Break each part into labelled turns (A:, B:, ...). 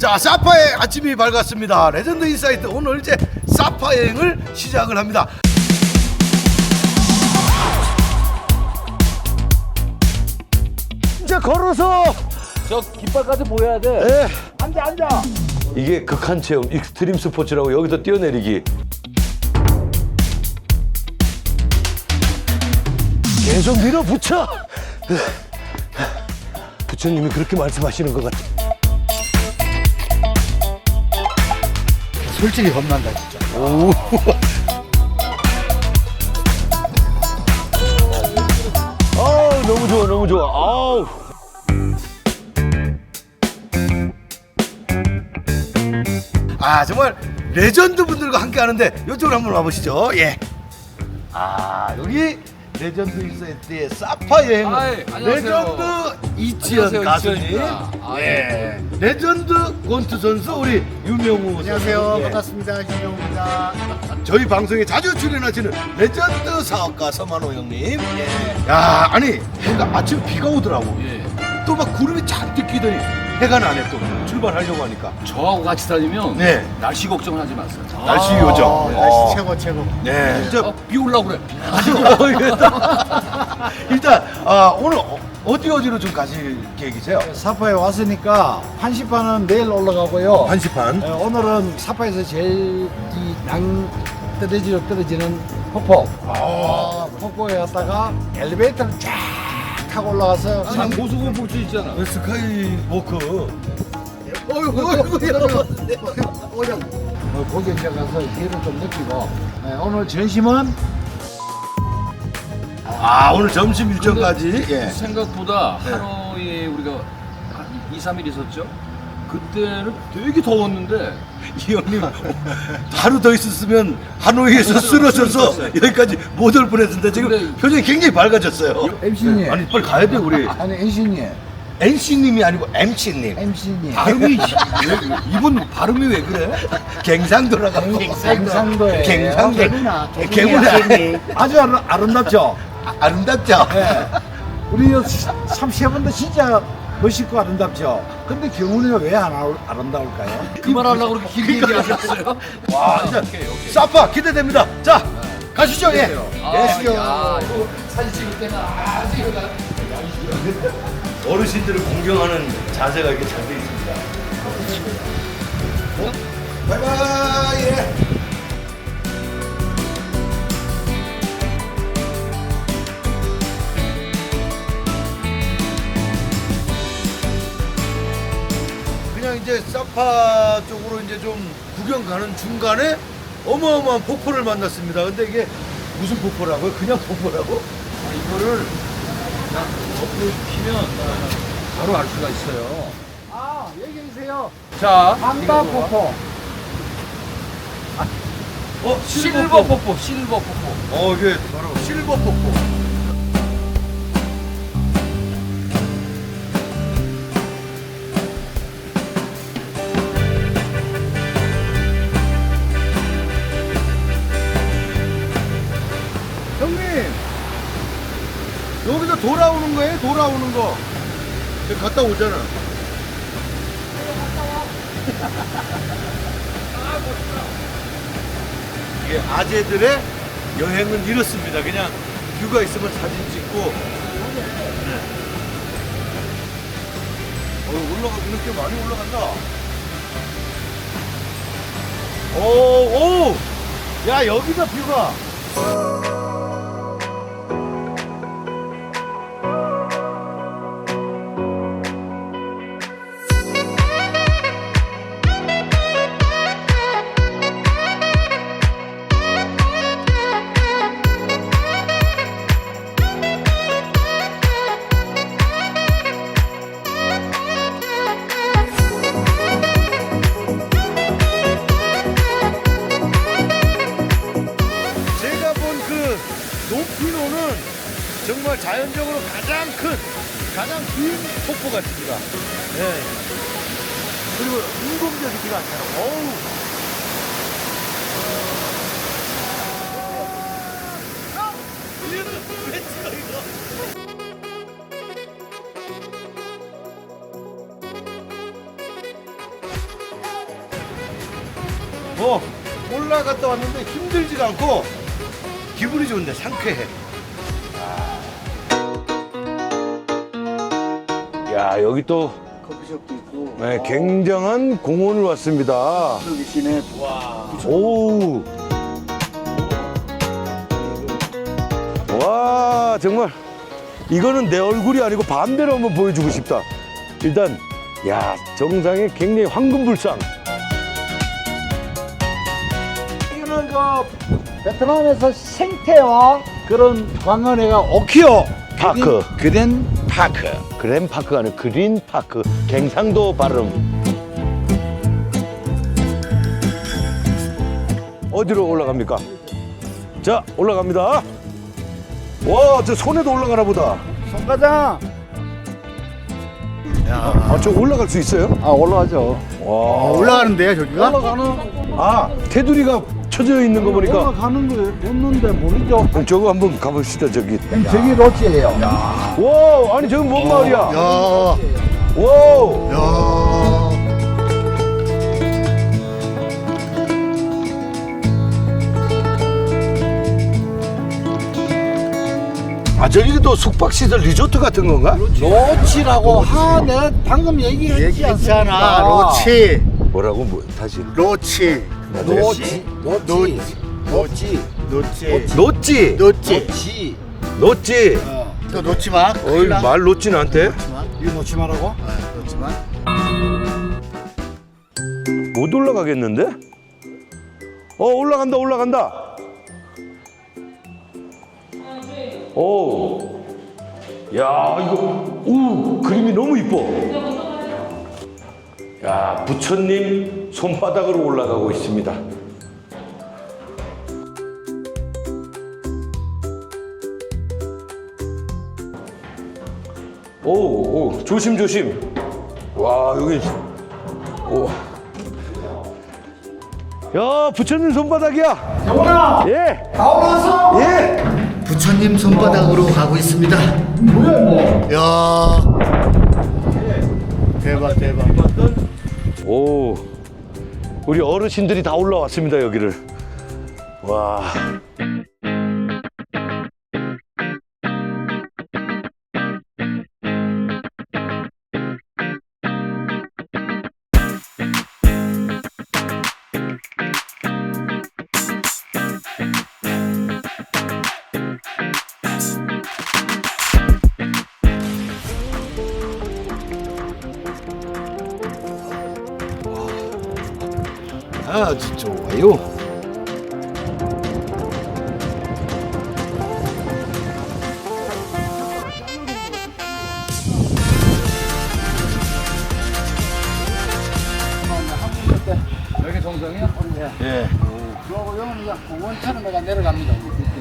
A: 자, 사파의 아침이 밝았습니다. 레전드 인사이트 오늘 이제 사파 여행을 시작을 합니다. 이제 걸어서
B: 저 깃발까지 보여야 돼.
A: 예.
C: 앉아.
A: 이게 극한 체험 익스트림 스포츠라고 여기서 뛰어내리기. 계속 밀어붙여. 부처님이 그렇게 말씀하시는 것 같아.
C: 솔직히 겁난다 진짜.
A: 아우, 너무 좋아, 너무 좋아. 아우. 아, 정말 레전드 분들과 함께 하는데 이쪽으로 한번 와보시죠. 예. 아, 여기 레전드 인사이트의 사파 여행
B: 아이, 안녕하세요.
A: 레전드 이치현
B: 안녕하세요,
A: 가수님,
B: 이치현입니다. 아,
A: 예. 레전드 권투 선수 우리 유명우
C: 안녕하세요.
A: 선수. 예.
C: 반갑습니다. 김영우입니다.
A: 저희 방송에 자주 출연하시는 레전드 사업가 서만호 형님. 예. 야, 아니 해가 아침 비가 오더라고.
B: 예.
A: 또 막 구름이 잔뜩 끼더니 해가 나네 또 출발하려고 하니까.
B: 저하고 같이 다니면
A: 네.
B: 날씨 걱정을 하지 마세요.
A: 날씨 요정.
C: 날씨 최고.
A: 네. 진짜
B: 비 올라고 그래.
A: 일단 오늘 어디로 좀 가실 계획이세요?
C: 사파에 왔으니까 한시판은 내일 올라가고요.
A: 한시판.
C: 오늘은 사파에서 제일 양 떨어지로 떨어지는 폭포. 폭포에 갔다가 엘리베이터를 쫙 타고 올라가서
B: 고수공포 있잖아.
A: 스카이 워크.
C: 거기 이제 가서 기회를 좀 느끼고 오늘 점심은
A: 오늘 점심 일정까지. 예.
B: 생각보다
A: 네.
B: 하노이에 우리가 한 2, 3일 있었죠? 그때는 되게 더웠는데
A: 이 형님 하루 더 있었으면 하노이에서 쓰러져서 여기까지 못 올 뻔했는데 지금
B: 근데-
A: 표정이 굉장히 밝아졌어요.
C: MC님.
A: 아니 빨리 가야 돼 우리.
C: 아니 NC님.
A: NC님이 아니고 MC님.
C: MC님.
A: 발음이 이분 발음이 왜 그래? 갱상도라가
C: 갱상도에
A: 갱상도.
C: 개구나.
A: 개구나.
C: 아주 아름답죠?
A: 아름답죠?
C: 네. 우리 참 세 분도 진짜 멋있고 아름답죠? 근데 경훈이가 왜 안 아름다울까요?
B: 그만하려고 그렇게 길게 얘기하셨어요?
A: 와 진짜
B: 오케이.
A: 사파 기대됩니다. 자 가시죠. 예.
C: 가시죠.
B: 이거 사진 찍을 때는 아주 이거
A: 어르신들을 공경하는 자세가 이렇게 잘 돼 있습니다. 바이바이. 예. 그냥 이제 사파 쪽으로 이제 좀 구경 가는 중간에 어마어마한 폭포를 만났습니다. 근데 이게 무슨 폭포라고요? 그냥 폭포라고?
B: 이거를 그냥 덮고 피면 바로 알 수가 있어요.
C: 아, 여기 계세요.
B: 자,
C: 한다 폭포.
B: 실버 폭포, 실버 폭포.
A: 이게 바로 실버 폭포. 형님, 여기서 돌아오는 거예요? 돌아오는 거. 여기 갔다 오잖아. 이게 아재들의 여행은 이렇습니다. 그냥 뷰가 있으면 사진 찍고. 네. 이렇게 많이 올라간다. 오. 야, 여기다 뷰가. 제가 본 그 높이로는 정말 자연적으로 가장 긴 폭포 같습니다. 네. 그리고 인공적이지가 않잖아. 어우. 왜 찍어 이거? 않고 올라갔다 왔는데 힘들지가 않고 기분이 좋은데 상쾌해. 야, 여기 또
C: 커피숍도 있고.
A: 네, 굉장한 공원을 왔습니다.
C: 여기 시내.
A: 오. 와, 정말 이거는 내 얼굴이 아니고 반대로 한번 보여주고 싶다. 일단 야, 정상에 굉장히 황금불상.
C: 이거는 그 베트남에서 생태와 그런 관광회가 오키오
A: 파크.
C: 그랜 파크.
A: 그랜 파크가 아니라 그린 파크. 갱상도 발음. 어디로 올라갑니까? 자, 올라갑니다. 와, 저 손에도 올라가나 보다.
C: 송과장.
A: 아, 저 올라갈 수 있어요?
C: 아 올라가죠.
A: 와.
C: 올라가는데요 저기가? 올라가는.
A: 아, 테두리가 쳐져 있는 거 보니까.
C: 올라가는 거 없는데 모르죠.
A: 그럼 저거 한번 가봅시다, 저기.
C: 저기 로지예요.
A: 와, 아니, 저기 뭔 마을이야?
C: 야.
A: 와.
C: 야.
A: 아, 저기도 숙박시설 리조트 같은 건가?
C: 로치라고 내가 방금 얘기했지 않습니까?
D: 로치,
A: 뭐라고? 뭐, 다시.
D: 로치,
C: 로치.
D: 노치,
C: 로치.
D: 노치,
A: 놓지.
D: 노치.
A: 놓지.
D: 또 놓지 마.
A: 어이, 말 놓지 나한테.
C: 이거 놓지 말라고?
D: 놓지 마.
A: 못 올라가겠는데? 올라간다, 올라간다. 오. 야, 이거, 그림이 너무 이뻐. 야, 부처님 손바닥으로 올라가고 있습니다. 오, 조심, 조심. 와, 여기. 오. 야, 부처님 손바닥이야.
C: 영원아.
A: 예.
C: 다 올라왔어?
A: 예.
D: 부처님 손바닥으로 가고 있습니다.
C: 뭐야 뭐?
D: 야, 대박, 대박.
A: 오, 우리 어르신들이 다 올라왔습니다, 여기를. 와. 아주 좋아요.
B: 여기 정상이야?
A: 예.
C: 그러고 여기는 그냥 공원처럼 내가 내려갑니다.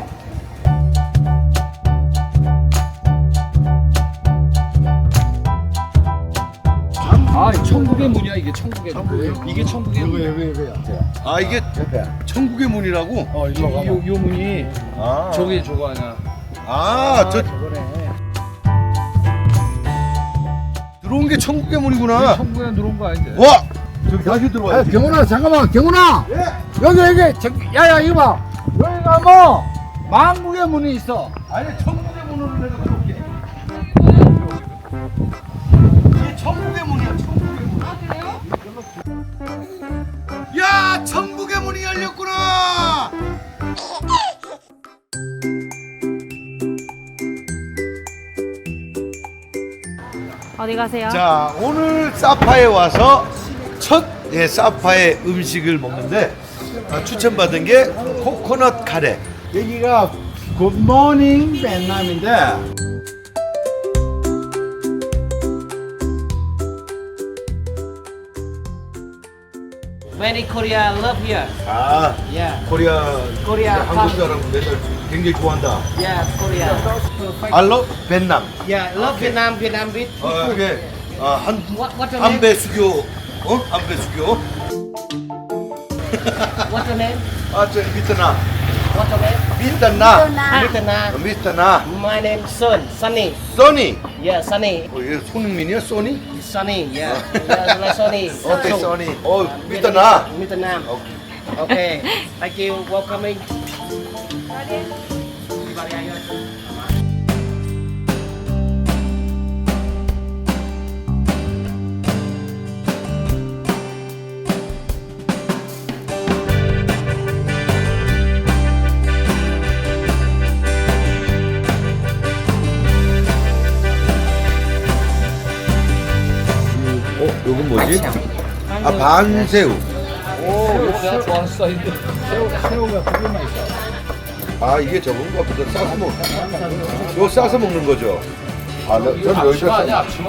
B: 아, 천국의 문이야 이게 천국의 문. 이게 천국의 문.
C: 여기야.
A: 아, 이게
C: 옆에.
A: 천국의 문이라고?
C: 일로 가봐.
B: 요 문이
A: 아,
B: 저기 저거 아니야.
C: 저거네.
A: 들어온 게 천국의 문이구나.
B: 천국에 들어온 거 아닌데.
A: 와, 저기 다시 들어와야지.
C: 경훈아 잠깐만 경훈아.
A: 예.
C: 여기 야야 이거 봐. 여기가 뭐 만국의 문이 있어.
A: 아니, 천국의 문으로 내가 들어올게. 이게 천국의 문이야, 천국의 문. 아, 그래요? 야, 천국의 문이 열렸구나.
E: 어디 가세요?
A: 자, 오늘 사파에 와서 첫 사파의 음식을 먹는데 추천받은 게 코코넛 카레.
C: 여기가 굿모닝 베트남인데
F: Very Korea love here.
A: 아,
F: Yeah,
A: 코리아
F: Korea.
A: 한국 사람 맨날 굉장히 좋아한다.
F: Yeah, Korea.
A: 알로 베트남.
F: Yeah, love Vietnam. Vietnam with.
A: 이게
F: What's your name?
A: 한배 수교. 한배 수교.
F: What's your name?
A: 저 베트남.
F: What's your name?
A: 베트남.
F: Vietnam.
A: 베트남.
F: My name Sun. Sunny.
A: 써니.
F: Yeah, Sunny.
A: 얘 손흥민이야, 써니?
F: Sunny. Yeah. Yeah, like Sunny.
A: 어때,
F: So,
A: 써니? 베트남.
F: Vietnam. Okay. Thank you. Welcoming. Everybody out here.
A: 요건 뭐지? 아, 반새우.
B: 이거 내가 좋아하는 스타일인데.
C: 새우가 두 개만 있어.
A: 아, 이게 저건가 보다. 싸서 먹. 이거 싸서 먹는 거죠? 아, 전
B: 앞치마
A: 여기다
B: 아니야 앞치마?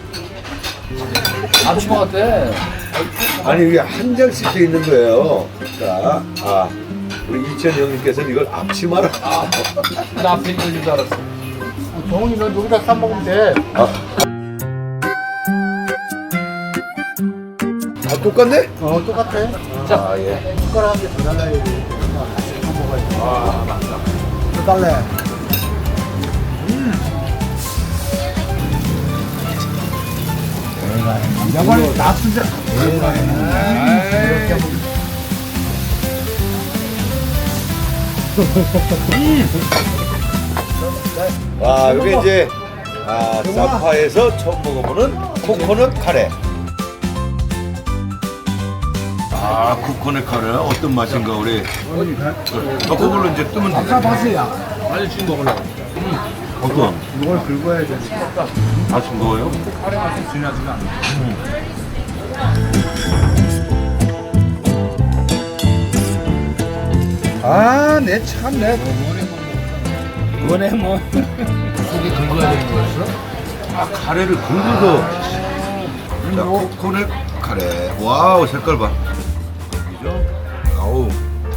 B: 앞치마 같아.
A: 아니 이게 한 장씩 돼 있는 거예요. 자, 아, 우리 이천 형님께서는 이걸 앞치마라.
B: 나 앞에 있는 줄 알았어.
C: 동훈이는 여기다 싸 먹으면 돼.
A: 아, 똑같네?
C: 똑같아.
A: 아, 예.
C: 숟가락 한 개 더 달라야 돼. 아, 맞다. 더 달래. 야발 납수자.
A: 와, 이게 이제 사파에서 처음 먹어보는 코코넛 카레. 아, 코코넛 카레 어떤 맛인가 우리. 그걸로 이제 뜨면
C: 아까
A: 되겠네.
C: 봤어요.
B: 아니 지금 먹으려고.
A: 어떤?
C: 이걸 긁어야 돼.
A: 아, 싱거워요?
B: 카레 맛이 진하지가 않아.
C: 아, 내 참내.
B: 이번에 뭐 속에 긁어야 되는 거였어?
A: 아, 카레를 긁어서. 자, 코코넛 카레. 와우, 색깔 봐. 여기죠? 아우.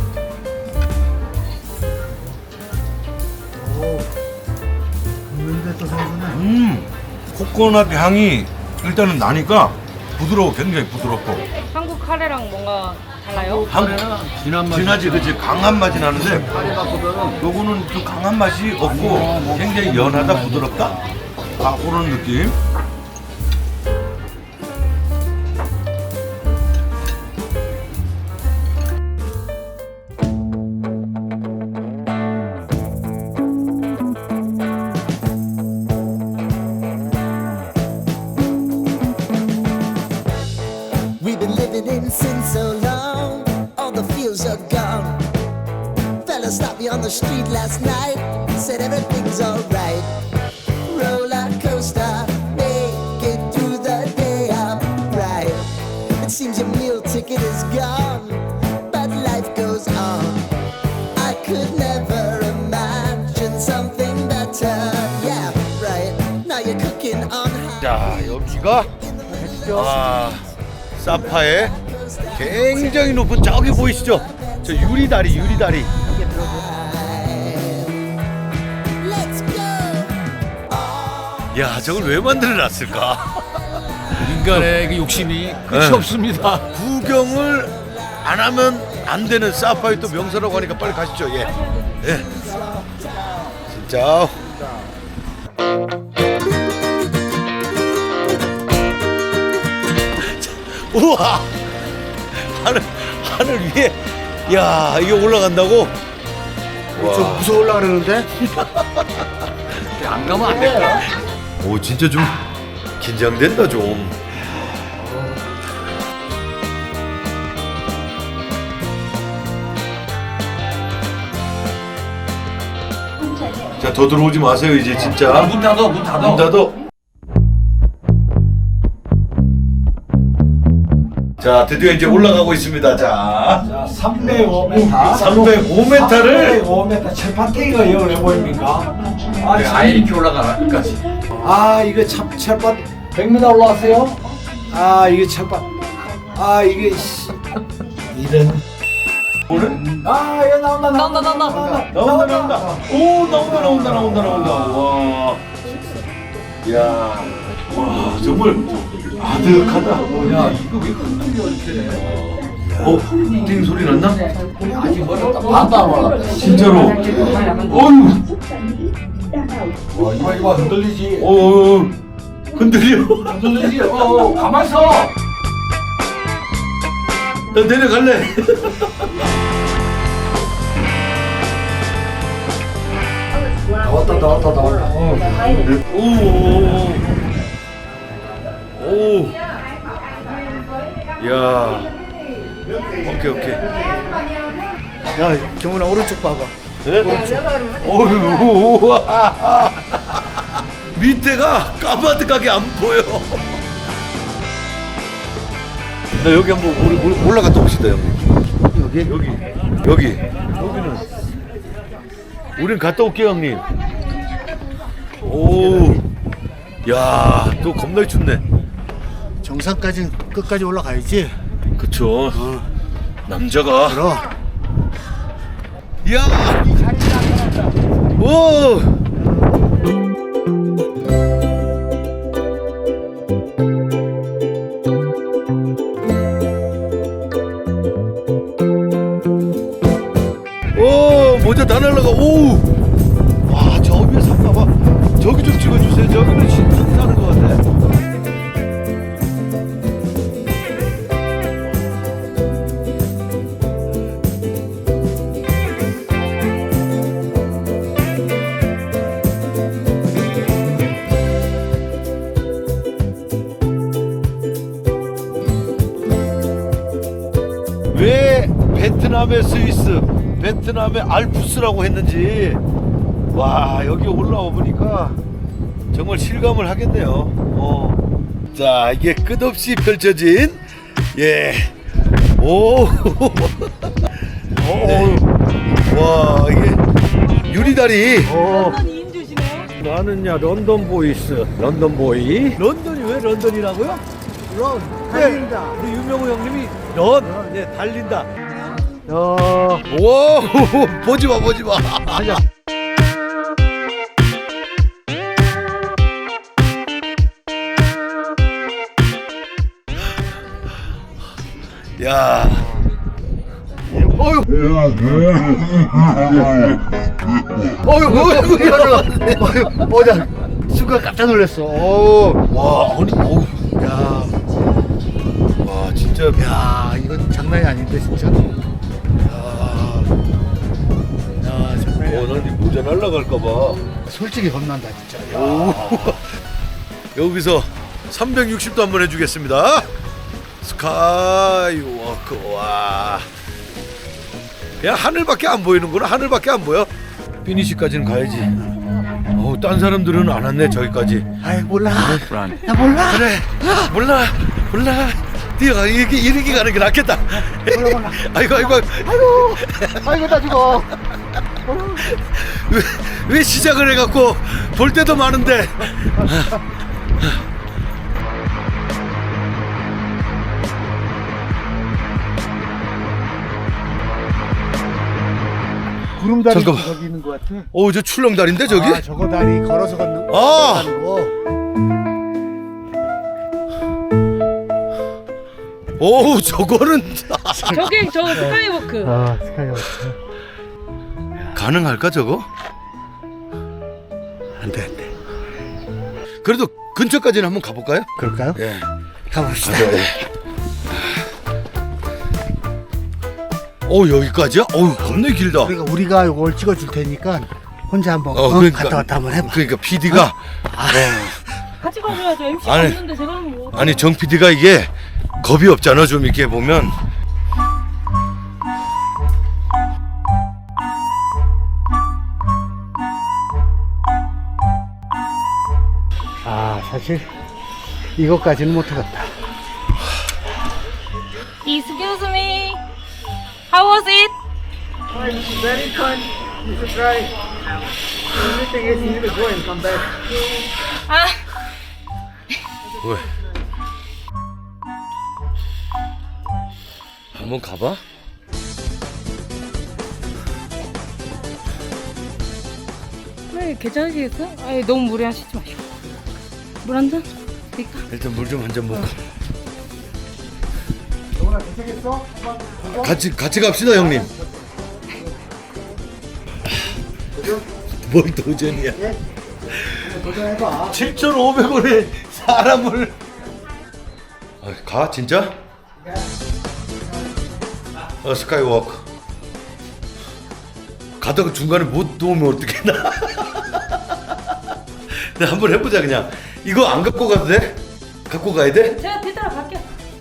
C: 긁는데 또 생선은.
A: 코코넛 향이 일단은 나니까 부드러워, 굉장히 부드럽고.
E: 한국 카레랑 뭔가 달라요?
B: 진한 맛이.
A: 진하지, 그치? 강한 맛이 나는데
B: 카레 맛보다는
A: 요거는 좀 강한 맛이 없고 굉장히 연하다, 부드럽다? 아, 그런 느낌.
G: We've been living in sin so long, all the feels are gone. Fella stopped me on the street last night, said everything's alright. Roller coaster, make it through the day upright. It seems your meal ticket is gone, but life goes on. I could never imagine something better. Yeah, right. Now you're cooking on high.
A: 자, 여기가 사파의 굉장히 높은 저기 보이시죠? 저 유리다리.
G: Let's go.
A: 야, 저걸 왜 만들어놨을까?
B: 인간의 그 욕심이 끝이
A: 네.
B: 없습니다.
A: 구경을 안 하면 안 되는 사파의 또 명소라고 하니까 빨리 가시죠. 예. 예. 진짜. 우와. 하늘 위에. 야, 이게 올라간다고?
D: 좀 무서울라 그러는데?
B: 안 가면 안 될까?
A: 오, 진짜 좀 긴장된다 좀. 자, 더 들어오지 마세요 이제 진짜.
B: 문 닫아.
A: 문 닫어. 자, 드디어 이제 올라가고 있습니다. 자,
C: 305m.
A: 305m를
C: 305m 철판탱이가 이걸 왜 보입니까?
B: 아예 이렇게 올라가나 끝까지.
C: 아, 이거 철판 100m 올라왔어요? 아, 이게 철판. 아, 이게 이런. 아, 이거 나온다.
A: 나온다. 오, 나온다. 와. 야. 와, 정말 아득하다.
B: 야 이거 왜 흔들려 이렇게?
A: 띵 소리 났나?
B: 아직 멀었다. 반도 안 올랐다.
A: 진짜로. 어휴.
C: 와, 이거 흔들리지.
A: 흔들려.
B: 흔들리지. 가만 있어.
A: 나 내려갈래.
D: 나왔다.
A: 오. 야. 오케이.
D: 야, 경훈아 오른쪽 봐봐.
A: 네? 어휴, 우와. 밑에가 까마득하게 안 보여. 나 여기 한번 우리 올라갔다 옵시다, 형님. 여기는 우린 갔다 올게요, 형님. 오, 야, 또 겁나 춥네.
D: 정상까지 끝까지 올라가야지.
A: 그쵸. 남자가.
D: 그럼.
A: 야, 오. 오, 모자 다 날라가. 오, 와, 저 위에 산 봐봐. 저기 좀 찍어주세요. 저기는 진짜 사는 것 같아. 왜 베트남의 스위스, 베트남의 알프스라고 했는지 와 여기 올라와 보니까 정말 실감을 하겠네요. 자 이게 끝없이 펼쳐진 오, 네. 와 이게 유리다리.
B: 나는야 런던 보이스, 런던 보이.
A: 런던이 왜 런던이라고요?
C: 달린다.
A: 우리 유명호 형님이 달린다. 오, 보지 마. 야.
D: 나 순간 깜짝 놀랐어.
A: 와, 아니, 야. 와, 진짜.
D: 야, 이건 장난이 아닌데 진짜. 야, 장난이 아니야.
A: 난이 모자 날라갈까봐.
D: 솔직히 겁난다 진짜.
A: 오. 여기서 360도 한번 해주겠습니다. 스카이워크. 와. 야, 하늘밖에 안 보이는구나. 하늘밖에 안 보여. 피니시까지는 가야지. 딴 사람들은 안 왔네 저기까지.
D: 아이 몰라. 나 몰라.
A: 그래. 몰라. 뛰어가. 이렇게 가는 게 낫겠다.
D: 몰라.
A: 아이고
D: 나 죽어.
A: 왜 시작을 해갖고 볼 때도 많은데.
D: 구름다리
A: 잠깐만.
D: 저기 있는 것 같아.
A: 저 출렁다리인데 저기?
D: 아, 저거 다리 걸어서 걷는
A: 아.
D: 거.
A: 오, 저거는
E: 저게 저 스카이워크.
D: 아, 스카이워크.
A: 가능할까 저거?
D: 안 돼.
A: 그래도 근처까지는 한번 가볼까요?
D: 그럴까요?
A: 예.
D: 가봅시다.
A: 여기까지야? 겁나 길다.
D: 그러니까 우리가 이걸 찍어줄 테니까 혼자 한번
A: 그러니까,
D: 갔다 왔다 한번 해봐.
A: 그러니까 PD가
E: 같이 가줘야죠. MC가
A: 아니,
E: 없는데 제가 하면 뭐.
A: 아니 정 PD가 이게 겁이 없잖아. 좀 이렇게 보면
D: 아, 사실 이것까지는 못하겠다.
E: Excuse me. How was it?
F: Very fun. You should try. The only thing is you need to go and come back.
E: 아,
A: 왜? 한번 가봐.
E: 네, 괜찮으시겠어? 아니 너무 무리하시지 마시고. 물 한 잔? 드릴까?
A: 일단 물 좀 한 잔 먹고.
D: 정훈아, 괜찮겠어?
A: 같이 갑시다 형님. 뭘 도전이야?
D: 도전해봐.
A: 7,500원에 사람을 가 진짜? 스카이워크. 가다가 중간에 못 도우면 어떡해나. 나 한번 해보자 그냥. 이거 안 갖고 가도 돼? 갖고 가야 돼?
E: 제가 뒤따라 갈게요.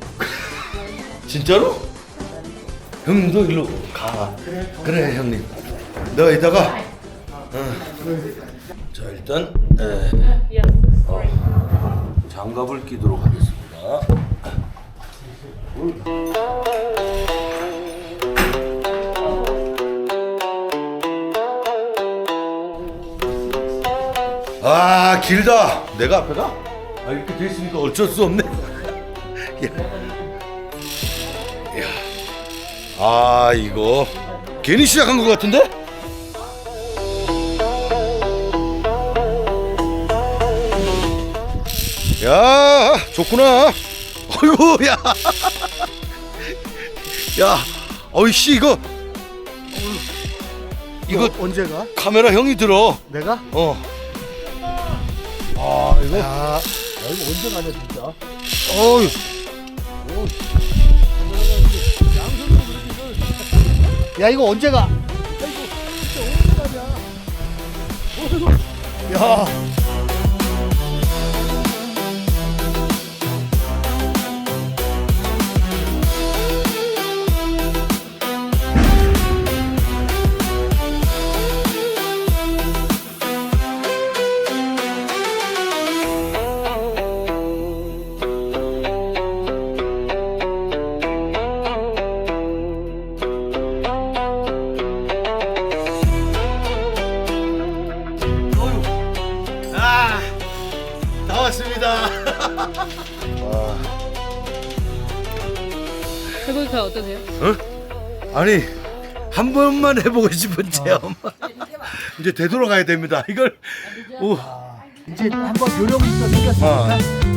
A: 진짜로? 형님도 일로 가. 그래 형님. 너 이따가. 자 일단 장갑을 끼도록 하겠습니다. 아 길다. 내가 앞에 가? 아 이렇게 돼 있으니까 어쩔 수 없네. 야. 아 이거 괜히 시작한 것 같은데? 야 좋구나. 어이구 야. 야 어이씨 이거
D: 언제 가?
A: 카메라 형이 들어.
D: 내가?
A: 아 이거
D: 야,
A: 이거 언제 가냐 진짜.
D: 어휴. 야, 이거 언제 가? 야.
A: 나왔습니다.
E: 해보니까 어떠세요?
A: 아니 한 번만 해보고 싶은 체험. 이제 되돌아가야 됩니다. 이걸 오.
D: 이제 한번 요령부터 생겼으니까.
A: 아.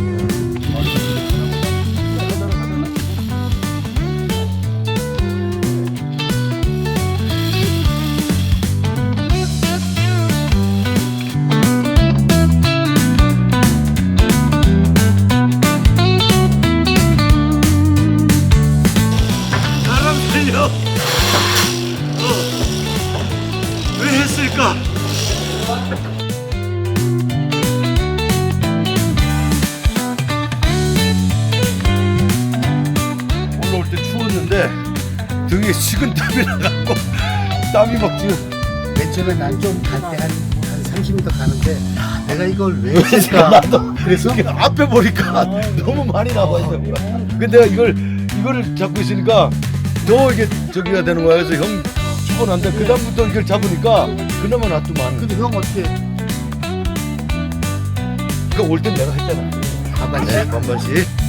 A: 사람 살려. 왜 했을까? 올라올 때 추웠는데 등에 식은땀이 나갖고 땀이 막 지금.
D: 맨 처음에 난 좀 갈 때 한 30m 가는데 내가 이걸 왜 했을까?
A: 나도 그래서 앞에 보니까 너무 많이 나와 있는 거야. 근데 내가 이거를 잡고 있으니까 더 이게 저기가 되는 거야. 그래서 형 추곤한데 그 다음부터 이걸 잡으니까 그나마 놔두만.
D: 근데 형 어떻게?
A: 그러니까 올 땐 내가 했잖아.
D: 반반씩?
A: 네, 반반씩.